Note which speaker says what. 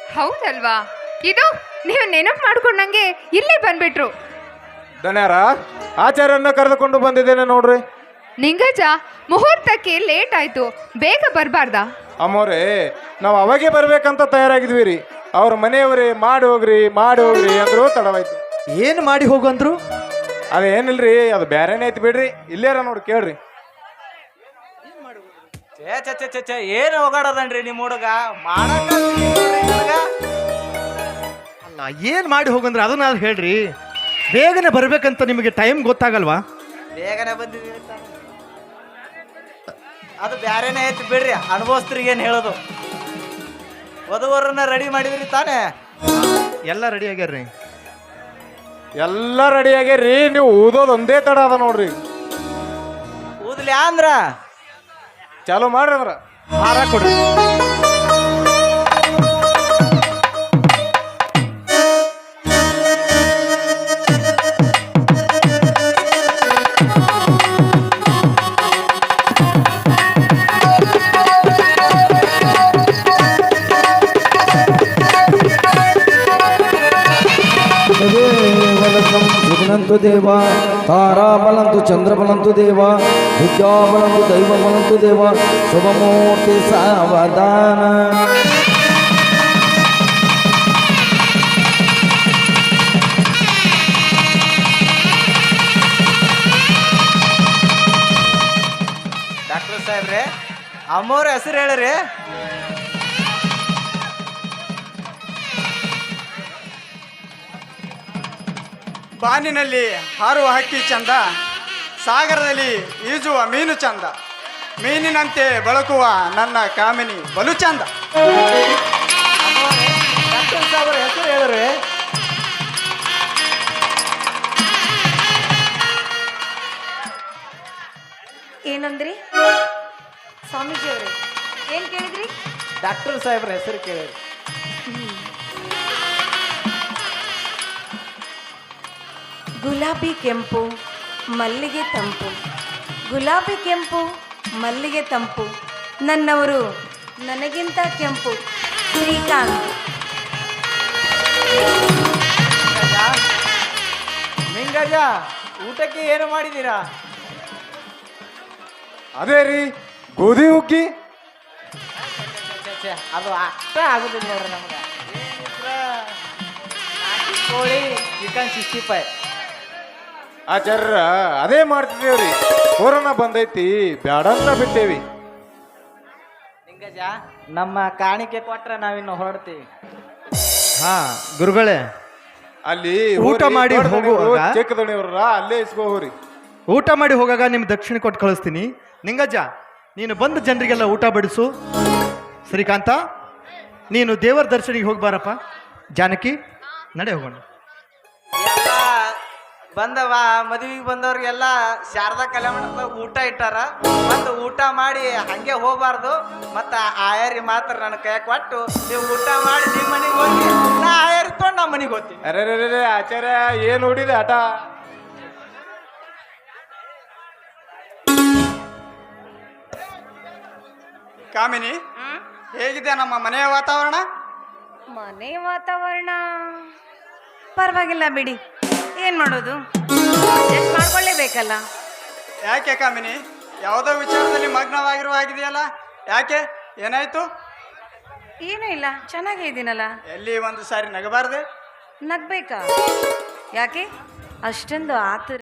Speaker 1: ಹೌದಲ್ವಾ? ಇದು ನೀವು ನೆನಪು ಮಾಡ್ಕೊಂಡಂಗೆ ಇಲ್ಲೇ ಬಂದ್ಬಿಟ್ರು.
Speaker 2: ಧನ್ಯಾರ ಆಚಾರ್ಯನ್ನ ಕರೆದುಕೊಂಡು ಬಂದಿದ್ದೇನೆ ನೋಡ್ರಿ.
Speaker 1: ನಿಂಗಜ, ಮುಹೂರ್ತಕ್ಕೆ ಲೇಟ್ ಆಯ್ತು, ಬೇಗ ಬರಬಾರ್ದಾ?
Speaker 2: ಅಮ್ಮೋರೇ, ನಾವು ಅವಾಗೆ ಬರ್ಬೇಕಂತ ತಯಾರಾಗಿದ್ವಿ ರೀ. ಅವ್ರ ಮನೆಯವ್ರಿ ಮಾಡಿ ಹೋಗ್ರಿ ಅಂದ್ರು ತಡವಾಯ್ತು.
Speaker 3: ಏನು ಮಾಡಿ ಹೋಗಂದ್ರು?
Speaker 2: ಅದೇನಿಲ್ರಿ, ಅದು ಬ್ಯಾರೇನೇ ಐತಿ ಬಿಡ್ರಿ. ಇಲ್ಲೇರ ನೋಡಿ ಕೇಳ್ರಿ.
Speaker 4: ಏನು ಹೋಗಾಡದನ್ರಿ ನಿಮ್ಮ ಹುಡುಗ ಮಾಡಕ?
Speaker 3: ಅಲ್ಲ, ಏನು ಮಾಡಿ ಹೋಗಂದ್ರೆ ಅದನ್ನ ಹೇಳ್ರಿ. ಬೇಗನೆ ಬರ್ಬೇಕಂತ ನಿಮಗೆ ಟೈಮ್ ಗೊತ್ತಾಗಲ್ವಾ?
Speaker 4: ಬೇಗನೆ ಬಂದಿದ್ದೀವಿ. ಅದು ಬ್ಯಾರೇನೇ ಐತಿ ಬಿಡ್ರಿ, ಅನುಭವಸ್ತ್ರಿಗೆ ಏನು ಹೇಳೋದು. ವಧುವರನ್ನ ರೆಡಿ ಮಾಡಿದ್ರಿ ತಾನೇ?
Speaker 3: ಎಲ್ಲ ರೆಡಿ ಆಗ್ಯಾರ್ರಿ.
Speaker 2: ಎಲ್ಲ ರೆಡಿ ಆಗ್ಯಾರ್ರಿ. ನೀವು ಊದೋದು ಒಂದೇ ತಡ ಅದ ನೋಡ್ರಿ.
Speaker 4: ಊದ್ಲ್ಯಾ ಅಂದ್ರ
Speaker 2: ಚಾಲು ಮಾಡ್ರಿ. ಅಂದ್ರ
Speaker 3: ಹಾರ ಕೊಡ್ರಿ.
Speaker 5: విఘ్నంతు దేవా తారాబలంతు చంద్రబలంతు దేవా విద్యాబలంతు దైవబలంతు దేవా శుభమూర్తి సావధాన.
Speaker 4: ಡಾಕ್ಟರ್ ಸಾಹೇಬ್ರೆ, ಅಮ್ಮವ್ರ ಹೆಸರು ಹೇಳ್ರಿ.
Speaker 6: ಬಾನಿನಲ್ಲಿ ಹಾರುವ ಹಕ್ಕಿ ಚಂದ, ಸಾಗರದಲ್ಲಿ ಈಜುವ ಮೀನು ಚಂದ, ಮೀನಿನಂತೆ ಬಳಕುವ ನನ್ನ ಕಾಮಿನಿ ಬಲು ಚಂದ.
Speaker 4: ಡಾಕ್ಟರ್ ಸಾಹೇಬ್ರ ಹೆಸರು ಹೇಳ್ರಿ.
Speaker 7: ಏನಂದ್ರಿ ಸ್ವಾಮೀಜಿ ಅವರೇ? ಏನ್ ಕೇಳಿದ್ರಿ?
Speaker 4: ಡಾಕ್ಟರ್ ಸಾಹೇಬ್ರ ಹೆಸರು ಕೇಳಿರಿ.
Speaker 7: ಗುಲಾಬಿ ಕೆಂಪು ಮಲ್ಲಿಗೆ ತಂಪು, ಗುಲಾಬಿ ಕೆಂಪು ಮಲ್ಲಿಗೆ ತಂಪು, ನನ್ನವರು ನನಗಿಂತ ಕೆಂಪು, ಶ್ರೀಕಾಂತ್.
Speaker 4: ನಿಂಗಜ, ಊಟಕ್ಕೆ ಏನು ಮಾಡಿದ್ದೀರಾ?
Speaker 2: ಅದೇ ರೀ, ಗೋಧಿ ಹುಗ್ಗಿ.
Speaker 4: ಅದು ಅಷ್ಟೇ ಆಗುದಿಲ್ಲ ನೋಡ್ರಿ ನಮ್ಗೆ. ಕೋಳಿ ಚಿಕನ್ 65.
Speaker 2: ಆಚಾರ್ಯ ಅದೇ ಮಾಡ್ತಿದ್ದೇವ್ರಿ. ಕೊರೋನಾ ಬಂದೈತಿ, ಬ್ಯಾಡ ಅಂತ ಬಿಟ್ಟೇವಿ.
Speaker 4: ನಿಂಗಜ, ನಮ್ಮ ಕಾಣಿಕೆ ಕೊಟ್ರೆ ನಾವಿನ್ನು ಹೊರಡ್ತೀವಿ.
Speaker 3: ಹಾ ಗುರುಗಳೇ,
Speaker 2: ಅಲ್ಲಿ
Speaker 3: ಊಟ ಮಾಡಿ ಹೋಗುವಾಗ
Speaker 2: ಚಿಕ್ಕದಣಿಯವ್ರ ಅಲ್ಲೇ ಇಸ್ಕೋರಿ.
Speaker 3: ಊಟ ಮಾಡಿ ಹೋಗಾಗ ನಿಮ್ ದಕ್ಷಿಣ ಕೊಟ್ಟು ಕಳಿಸ್ತೀನಿ. ನಿಂಗಜ್ಜ, ನೀನು ಬಂದ ಜನರಿಗೆಲ್ಲ ಊಟ ಬಡಿಸು. ಶ್ರೀಕಾಂತ, ನೀನು ದೇವರ ದರ್ಶನಿಗೆ ಹೋಗ್ಬಾರಪ್ಪ. ಜಾನಕಿ, ನಡೆ ಹೋಗೋಣ.
Speaker 4: ಎಲ್ಲ ಬಂದವ ಮದುವೆಗೆ ಬಂದವ್ರಿಗೆಲ್ಲ ಶಾರದಾ ಕಲ್ಯಾಣ ಊಟ ಇಟ್ಟಾರ. ಮತ್ತು ಊಟ ಮಾಡಿ ಹಂಗೆ ಹೋಗ್ಬಾರ್ದು. ಮತ್ತು ಆಯಾರಿ ಮಾತ್ರ ನನ್ನ ಕೈ ಕೊಟ್ಟು ನೀವು ಊಟ ಮಾಡಿ ನಿಮ್ಮ ಮನೆಗೆ ಹೋಗಿ, ನಾ ಆಯಾರಿ ತೊಗೊಂಡು ನಮ್ಮ ಮನೆಗೆ ಹೋಗ್ತೀನಿ.
Speaker 2: ಅರೆ ಆಚಾರ್ಯ, ಏನು ಹೊಡಿದೆ ಆಟ?
Speaker 6: ಕಾಮಿನಿ, ಹೇಗಿದೆ ನಮ್ಮ ಮನೆಯ ವಾತಾವರಣ?
Speaker 7: ಮನೆ ವಾತಾವರಣ ಪರವಾಗಿಲ್ಲ ಬಿಡಿ. ಏನ್ ಮಾಡೋದು, ಅಡ್ಜಸ್ಟ್ ಮಾಡ್ಕೊಳ್ಳೇಬೇಕಲ್ಲ.
Speaker 6: ಯಾಕೆ ಕಾಮಿನಿ, ಯಾವುದೋ ವಿಚಾರದಲ್ಲಿ ಮಗ್ನವಾಗಿರುವ ಆಗಿದೆಯಲ್ಲ, ಯಾಕೆ? ಏನಾಯ್ತು?
Speaker 7: ಏನೂ ಇಲ್ಲ, ಚೆನ್ನಾಗೇ ಇದ್ದೀನಲ್ಲ.
Speaker 6: ಎಲ್ಲಿ ಒಂದು ಸಾರಿ ನಗಬಾರ್ದೆ?
Speaker 7: ನಗ್ಬೇಕಾ? ಯಾಕೆ ಅಷ್ಟೊಂದು ಆತರ?